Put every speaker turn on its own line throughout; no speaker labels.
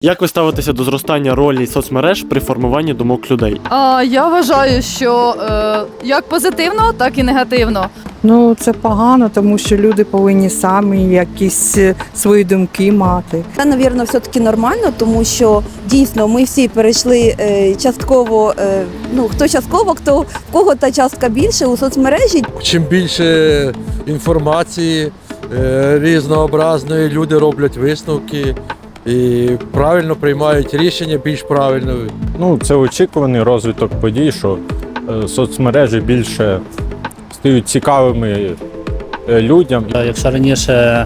Як ви ставитеся до зростання ролі соцмереж при формуванні думок людей?
Я вважаю, що як позитивно, так і негативно.
Ну, це погано, тому що люди повинні самі якісь свої думки мати.
Це, мабуть, все-таки нормально, тому що дійсно ми всі перейшли частково, хто частково, хто в кого та частка більше у соцмережі.
Чим більше інформації різнообразної, люди роблять висновки і правильно приймають рішення, більш правильно.
Це очікуваний розвиток подій, що соцмережі більше стають цікавими людям.
Якщо раніше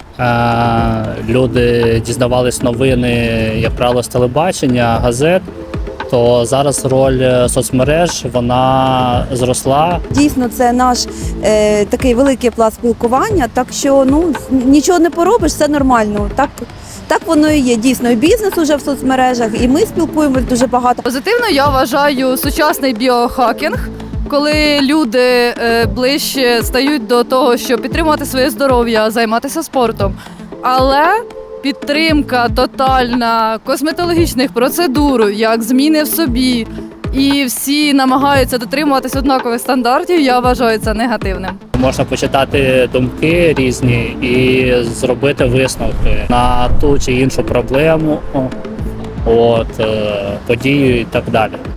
люди дізнавались новини, як правило, з телебачення, газет, то зараз роль соцмереж, вона зросла.
Дійсно, це наш такий великий пласт спілкування, так що нічого не поробиш, все нормально. Так воно і є. Дійсно, і бізнес уже в соцмережах, і ми спілкуємось дуже багато.
Позитивно я вважаю сучасний біохакінг, коли люди ближче стають до того, щоб підтримувати своє здоров'я, займатися спортом. Але підтримка тотальна косметологічних процедур, як зміни в собі, і всі намагаються дотримуватись однакових стандартів, я вважаю це негативним.
Можна почитати думки різні і зробити висновки на ту чи іншу проблему, подію і так далі.